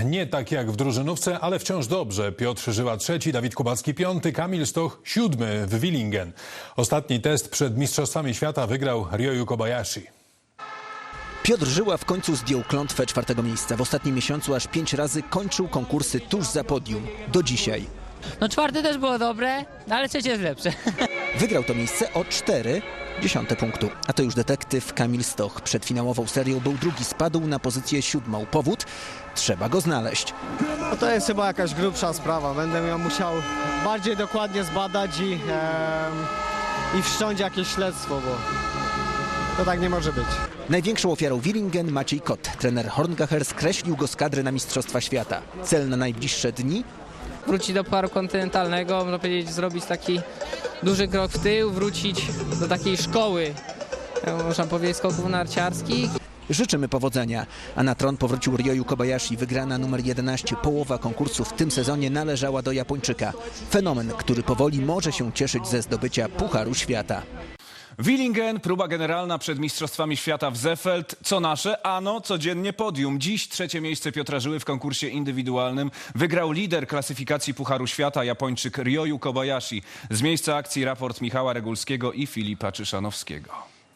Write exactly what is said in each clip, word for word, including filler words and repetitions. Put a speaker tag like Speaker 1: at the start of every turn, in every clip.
Speaker 1: Nie tak jak w drużynówce, ale wciąż dobrze. Piotr Żyła trzeci, Dawid Kubacki piąty, Kamil Stoch siódmy w Willingen. Ostatni test przed Mistrzostwami Świata wygrał Ryoyu Kobayashi.
Speaker 2: Piotr Żyła w końcu zdjął klątwę czwartego miejsca. W ostatnim miesiącu aż pięć razy kończył konkursy tuż za podium. Do dzisiaj.
Speaker 3: No czwarte też było dobre, ale trzecie jest lepsze.
Speaker 2: Wygrał to miejsce o cztery dziesiąte punktu. A to już detektyw Kamil Stoch. Przed finałową serią był drugi, spadł na pozycję siódmą. Powód? Trzeba go znaleźć.
Speaker 4: No to jest chyba jakaś grubsza sprawa. Będę ją musiał bardziej dokładnie zbadać i, e, i wszcząć jakieś śledztwo, bo to tak nie może być.
Speaker 2: Największą ofiarą Willingen Maciej Kot. Trener Horngacher skreślił go z kadry na Mistrzostwa Świata. Cel na najbliższe dni?
Speaker 3: Wrócić do Pucharu Kontynentalnego, można powiedzieć, zrobić taki duży krok w tył, wrócić do takiej szkoły, można powiedzieć, skoków narciarskich.
Speaker 2: Życzymy powodzenia. A na tron powrócił Ryoyu Kobayashi. Wygrana numer jedenaście. Połowa konkursu w tym sezonie należała do Japończyka. Fenomen, który powoli może się cieszyć ze zdobycia Pucharu Świata.
Speaker 5: Willingen, próba generalna przed Mistrzostwami Świata w Seefeld. Co nasze? Ano, codziennie podium. Dziś trzecie miejsce Piotra Żyły w konkursie indywidualnym. Wygrał lider klasyfikacji Pucharu Świata, Japończyk Ryoyu Kobayashi. Z miejsca akcji raport Michała Regulskiego i Filipa Czyszanowskiego.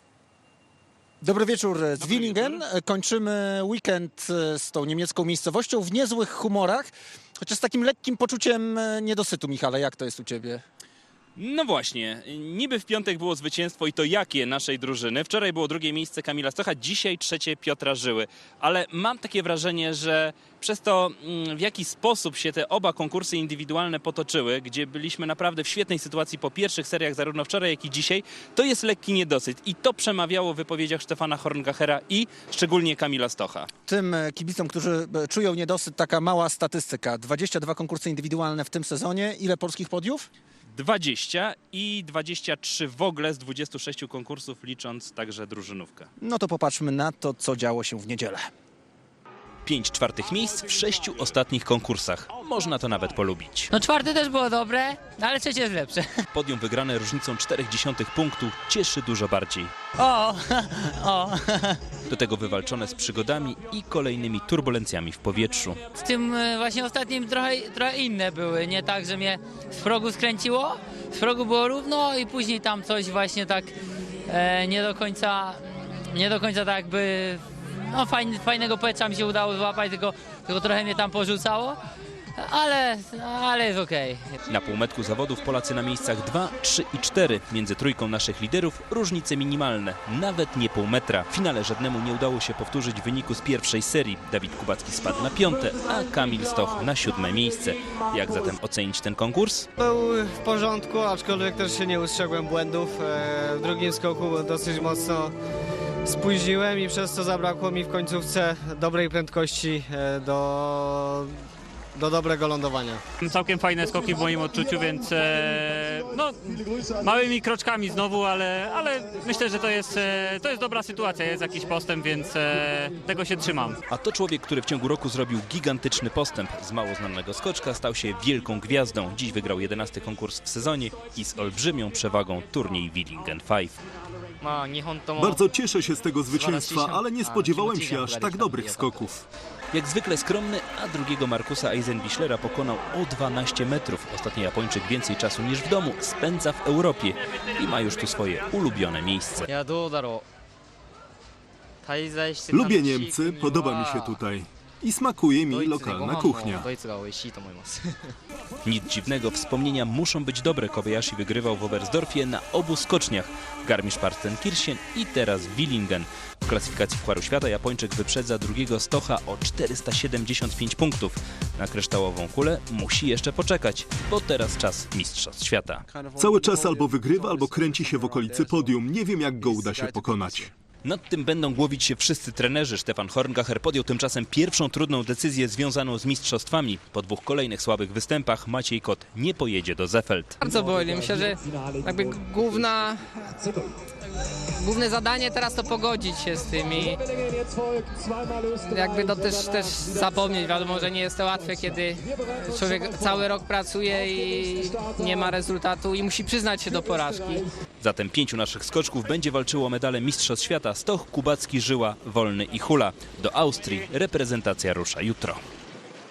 Speaker 2: Dobry wieczór z Willingen. Kończymy weekend z tą niemiecką miejscowością w niezłych humorach, chociaż z takim lekkim poczuciem niedosytu. Michale, jak to jest u ciebie?
Speaker 6: No właśnie, niby w piątek było zwycięstwo i to jakie naszej drużyny. Wczoraj było drugie miejsce Kamila Stocha, dzisiaj trzecie Piotra Żyły. Ale mam takie wrażenie, że przez to, w jaki sposób się te oba konkursy indywidualne potoczyły, gdzie byliśmy naprawdę w świetnej sytuacji po pierwszych seriach, zarówno wczoraj, jak i dzisiaj, to jest lekki niedosyt. I to przemawiało w wypowiedziach Stefana Horngachera i szczególnie Kamila Stocha.
Speaker 2: Tym kibicom, którzy czują niedosyt, taka mała statystyka. dwadzieścia dwa konkursy indywidualne w tym sezonie. Ile polskich podiów?
Speaker 6: dwadzieścia i dwadzieścia trzy w ogóle z dwudziestu sześciu konkursów, licząc także drużynówkę.
Speaker 2: No to popatrzmy na to, co działo się w niedzielę.
Speaker 6: Pięć czwartych miejsc w sześciu ostatnich konkursach. Można to nawet polubić.
Speaker 3: No czwarte też było dobre, ale trzecie jest lepsze.
Speaker 6: Podium wygrane różnicą czterech dziesiątych punktu cieszy dużo bardziej.
Speaker 3: O, o.
Speaker 6: Do tego wywalczone z przygodami i kolejnymi turbulencjami w powietrzu.
Speaker 3: W tym właśnie ostatnim trochę, trochę inne były, nie tak, że mnie z progu skręciło, z progu było równo i później tam coś właśnie tak e, nie do końca, nie do końca tak jakby, no fajny, fajnego powietrza mi się udało złapać, tylko, tylko trochę mnie tam porzucało. Ale, ale jest okej. Okay.
Speaker 6: Na półmetku zawodów Polacy na miejscach dwa, trzy i cztery. Między trójką naszych liderów różnice minimalne, nawet nie pół metra. W finale żadnemu nie udało się powtórzyć wyniku z pierwszej serii. Dawid Kubacki spadł na piąte, a Kamil Stoch na siódme miejsce. Jak zatem ocenić ten konkurs?
Speaker 4: Był w porządku, aczkolwiek też się nie ustrzegłem błędów. W drugim skoku dosyć mocno spóźniłem i przez to zabrakło mi w końcówce dobrej prędkości do... do dobrego lądowania.
Speaker 7: Całkiem fajne skoki w moim odczuciu, więc e, no, małymi kroczkami znowu, ale, ale myślę, że to jest, e, to jest dobra sytuacja, jest jakiś postęp, więc e, tego się trzymam.
Speaker 6: A to człowiek, który w ciągu roku zrobił gigantyczny postęp. Z mało znanego skoczka stał się wielką gwiazdą. Dziś wygrał jedenasty konkurs w sezonie i z olbrzymią przewagą turniej Willingen pięć.
Speaker 8: Bardzo cieszę się z tego zwycięstwa, ale nie spodziewałem się aż tak dobrych skoków.
Speaker 6: Jak zwykle skromny, a drugiego Markusa Eisenbichlera pokonał o dwanaście metrów. Ostatni Japończyk więcej czasu niż w domu spędza w Europie i ma już tu swoje ulubione miejsce.
Speaker 8: Lubię Niemcy, podoba mi się tutaj. I smakuje mi lokalna kuchnia.
Speaker 6: Nic dziwnego, wspomnienia muszą być dobre. Kobayashi wygrywał w Oberstdorfie na obu skoczniach. Garmisch-Partenkirchen i teraz Willingen. W klasyfikacji Pucharu Świata Japończyk wyprzedza drugiego Stocha o czterysta siedemdziesiąt pięć punktów. Na kryształową kulę musi jeszcze poczekać, bo teraz czas Mistrzostw Świata.
Speaker 8: Cały czas albo wygrywa, albo kręci się w okolicy podium. Nie wiem, jak go uda się pokonać.
Speaker 6: Nad tym będą głowić się wszyscy trenerzy. Stefan Horngacher podjął tymczasem pierwszą trudną decyzję związaną z mistrzostwami. Po dwóch kolejnych słabych występach Maciej Kot nie pojedzie do Seefeld.
Speaker 3: Bardzo boli. Myślę, że jakby główna, główne zadanie teraz to pogodzić się z tym i jakby to też, też zapomnieć. Wiadomo, że nie jest to łatwe, kiedy człowiek cały rok pracuje i nie ma rezultatu i musi przyznać się do porażki.
Speaker 6: Zatem pięciu naszych skoczków będzie walczyło o medale Mistrzostw Świata. Stoch, Kubacki, Żyła, Wolny i Hula. Do Austrii reprezentacja rusza jutro.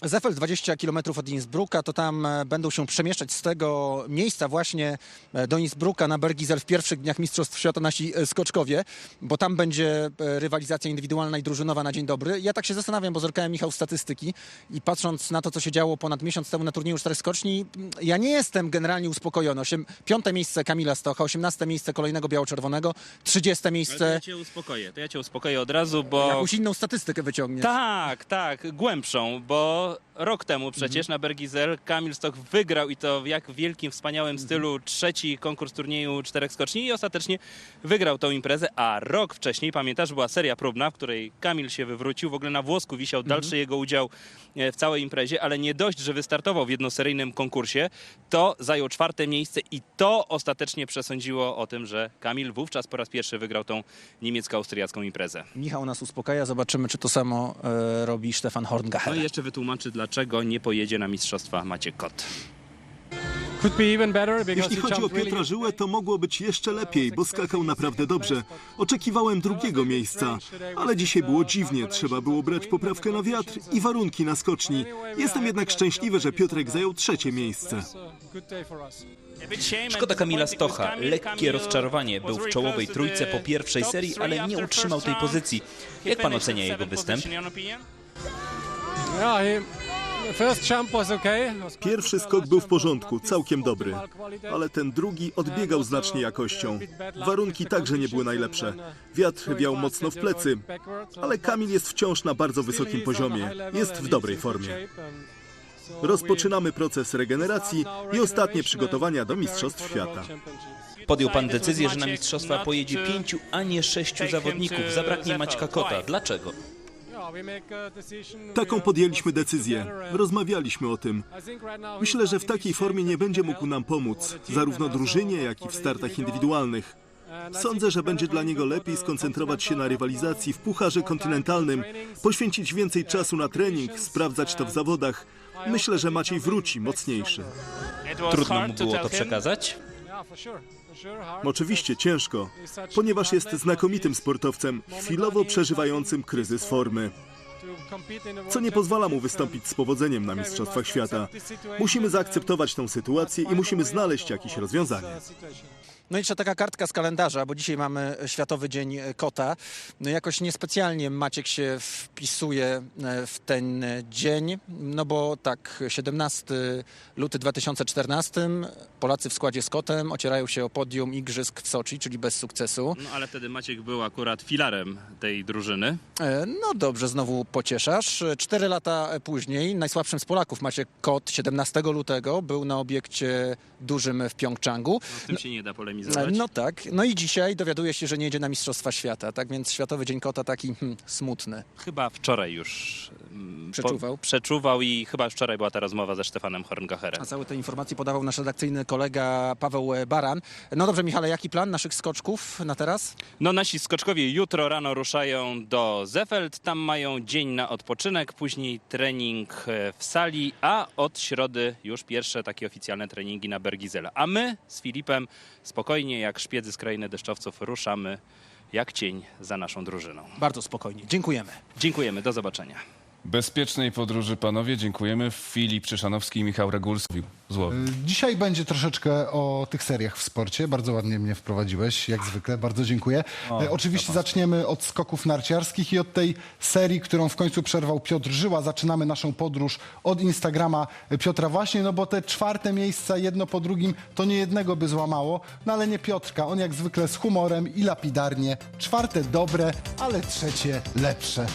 Speaker 2: Zeffel dwadzieścia kilometrów od Innsbrucka, to tam e, będą się przemieszczać z tego miejsca właśnie e, do Innsbrucka na Bergisel w pierwszych dniach Mistrzostw Świata nasi e, skoczkowie, bo tam będzie e, rywalizacja indywidualna i drużynowa na dzień dobry. Ja tak się zastanawiam, bo zerkałem, Michał, statystyki i patrząc na to, co się działo ponad miesiąc temu na turnieju czterech skoczni, ja nie jestem generalnie uspokojony. Osiem, piąte miejsce Kamila Stocha, osiemnaste miejsce kolejnego biało-czerwonego, trzydzieste
Speaker 6: Ale to
Speaker 2: miejsce...
Speaker 6: ja cię uspokoję, to ja cię uspokoję od razu, bo...
Speaker 2: Jakąś inną statystykę wyciągniesz.
Speaker 6: Tak, tak, głębszą, bo rok temu przecież na Bergisel Kamil Stoch wygrał i to w jak wielkim, wspaniałym stylu trzeci konkurs turnieju czterech skoczni i ostatecznie wygrał tą imprezę, a rok wcześniej, pamiętasz, była seria próbna, w której Kamil się wywrócił, w ogóle na włosku wisiał dalszy jego udział w całej imprezie, ale nie dość, że wystartował w jednoseryjnym konkursie, to zajął czwarte miejsce i to ostatecznie przesądziło o tym, że Kamil wówczas po raz pierwszy wygrał tą niemiecko-austriacką imprezę.
Speaker 2: Michał nas uspokaja, zobaczymy, czy to samo e, robi Stefan Horngacher.
Speaker 6: No i jeszcze wytłumaczy, dlaczego nie pojedzie na mistrzostwa Maciek Kot.
Speaker 8: Jeśli chodzi o Piotra Żyłę, to mogło być jeszcze lepiej, bo skakał naprawdę dobrze. Oczekiwałem drugiego miejsca, ale dzisiaj było dziwnie. Trzeba było brać poprawkę na wiatr i warunki na skoczni. Jestem jednak szczęśliwy, że Piotrek zajął trzecie miejsce.
Speaker 9: Szkoda Kamila Stocha. Lekkie rozczarowanie. Był w czołowej trójce po pierwszej serii, ale nie utrzymał tej pozycji. Jak pan ocenia jego występ?
Speaker 8: Pierwszy skok był w porządku, całkiem dobry, ale ten drugi odbiegał znacznie jakością. Warunki także nie były najlepsze. Wiatr wiał mocno w plecy, ale Kamil jest wciąż na bardzo wysokim poziomie. Jest w dobrej formie. Rozpoczynamy proces regeneracji i ostatnie przygotowania do Mistrzostw Świata.
Speaker 9: Podjął pan decyzję, że na mistrzostwa pojedzie pięciu, a nie sześciu zawodników. Zabraknie Maćka Kota. Dlaczego?
Speaker 8: Taką podjęliśmy decyzję. Rozmawialiśmy o tym. Myślę, że w takiej formie nie będzie mógł nam pomóc, zarówno drużynie, jak i w startach indywidualnych. Sądzę, że będzie dla niego lepiej skoncentrować się na rywalizacji w Pucharze Kontynentalnym, poświęcić więcej czasu na trening, sprawdzać to w zawodach. Myślę, że Maciej wróci mocniejszy.
Speaker 9: Trudno mu było to przekazać?
Speaker 8: Oczywiście ciężko, ponieważ jest znakomitym sportowcem, chwilowo przeżywającym kryzys formy, co nie pozwala mu wystąpić z powodzeniem na Mistrzostwach Świata. Musimy zaakceptować tę sytuację i musimy znaleźć jakieś rozwiązanie.
Speaker 2: No i jeszcze taka kartka z kalendarza, bo dzisiaj mamy Światowy Dzień Kota. No jakoś niespecjalnie Maciek się wpisuje w ten dzień, no bo tak, siedemnastego lutego dwa tysiące czternastego Polacy w składzie z Kotem ocierają się o podium Igrzysk w Soczi, czyli bez sukcesu.
Speaker 6: No ale wtedy Maciek był akurat filarem tej drużyny.
Speaker 2: E, No dobrze, znowu pocieszasz. Cztery lata później najsłabszym z Polaków Maciek Kot siedemnastego lutego był na obiekcie dużym w Pjongczangu.
Speaker 6: No, z tym się nie da polemizować.
Speaker 2: No tak, no i dzisiaj dowiaduje się, że nie jedzie na Mistrzostwa Świata, tak więc Światowy Dzień Kota taki hmm, smutny.
Speaker 6: Chyba wczoraj już mm,
Speaker 2: Przeczuwał.
Speaker 6: Po, przeczuwał i chyba wczoraj była ta rozmowa ze Stefanem Horngacherem.
Speaker 2: A całe te informacje podawał nasz redakcyjny kolega Paweł Baran. No dobrze, Michale, jaki plan naszych skoczków na teraz?
Speaker 6: No nasi skoczkowie jutro rano ruszają do Zeffeld, tam mają dzień na odpoczynek, później trening w sali, a od środy już pierwsze takie oficjalne treningi na Bergisel. A my z Filipem spokojnie jak szpiedzy z krainy deszczowców ruszamy jak cień za naszą drużyną.
Speaker 2: Bardzo spokojnie, dziękujemy.
Speaker 6: Dziękujemy, do zobaczenia.
Speaker 5: Bezpiecznej podróży, panowie. Dziękujemy. Filip Czyszanowski i Michał Regulski. Złowił.
Speaker 10: Dzisiaj będzie troszeczkę o tych seriach w sporcie. Bardzo ładnie mnie wprowadziłeś, jak zwykle. Bardzo dziękuję.
Speaker 5: O,
Speaker 10: e, Oczywiście zaczniemy od skoków narciarskich i od tej serii, którą w końcu przerwał Piotr Żyła. Zaczynamy naszą podróż od Instagrama Piotra właśnie, no bo te czwarte miejsca jedno po drugim to nie jednego by złamało, no ale nie Piotrka. On jak zwykle z humorem i lapidarnie. Czwarte dobre, ale trzecie lepsze.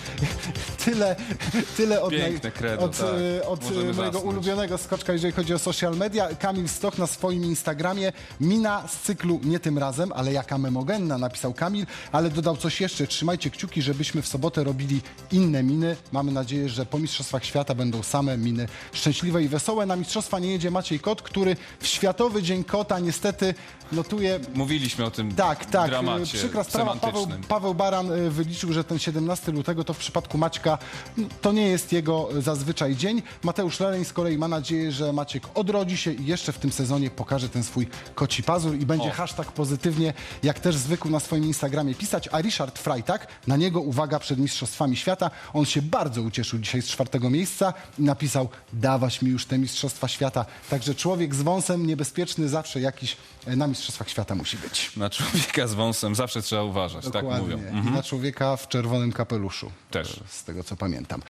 Speaker 10: Tyle, tyle od,
Speaker 5: Piękne credo,
Speaker 10: od,
Speaker 5: tak.
Speaker 10: e, od
Speaker 5: Możemy
Speaker 10: mojego
Speaker 5: zasnąć.
Speaker 10: ulubionego skoczka, jeżeli chodzi o social media. Kamil Stoch na swoim Instagramie. Mina z cyklu nie tym razem, ale jaka memogenna, napisał Kamil, ale dodał coś jeszcze. Trzymajcie kciuki, żebyśmy w sobotę robili inne miny. Mamy nadzieję, że po Mistrzostwach Świata będą same miny szczęśliwe i wesołe. Na Mistrzostwa nie jedzie Maciej Kot, który w Światowy Dzień Kota niestety notuje...
Speaker 5: Mówiliśmy o tym
Speaker 10: Tak, tak.
Speaker 5: dramacie
Speaker 10: Przykra sprawa. Paweł,
Speaker 5: semantycznym.
Speaker 10: Paweł Baran y, wyliczył, że ten siedemnastego lutego to w przypadku Maćka no, to nie jest jego zazwyczaj dzień. Mateusz Leleń z kolei ma nadzieję, że Maciek odrodzi odrodzi się i jeszcze w tym sezonie pokaże ten swój koci pazur i będzie
Speaker 5: O.
Speaker 10: hashtag pozytywnie, jak też zwykł na swoim Instagramie pisać, a Richard Freitag, na niego uwaga przed Mistrzostwami Świata, on się bardzo ucieszył dzisiaj z czwartego miejsca i napisał, dawać mi już te Mistrzostwa Świata. Także człowiek z wąsem niebezpieczny zawsze jakiś e, na Mistrzostwach Świata musi być.
Speaker 5: Na człowieka z wąsem zawsze trzeba uważać, tak
Speaker 10: Dokładnie.
Speaker 5: mówią. Mhm.
Speaker 10: I na człowieka w czerwonym kapeluszu.
Speaker 5: Też.
Speaker 10: Z tego co pamiętam.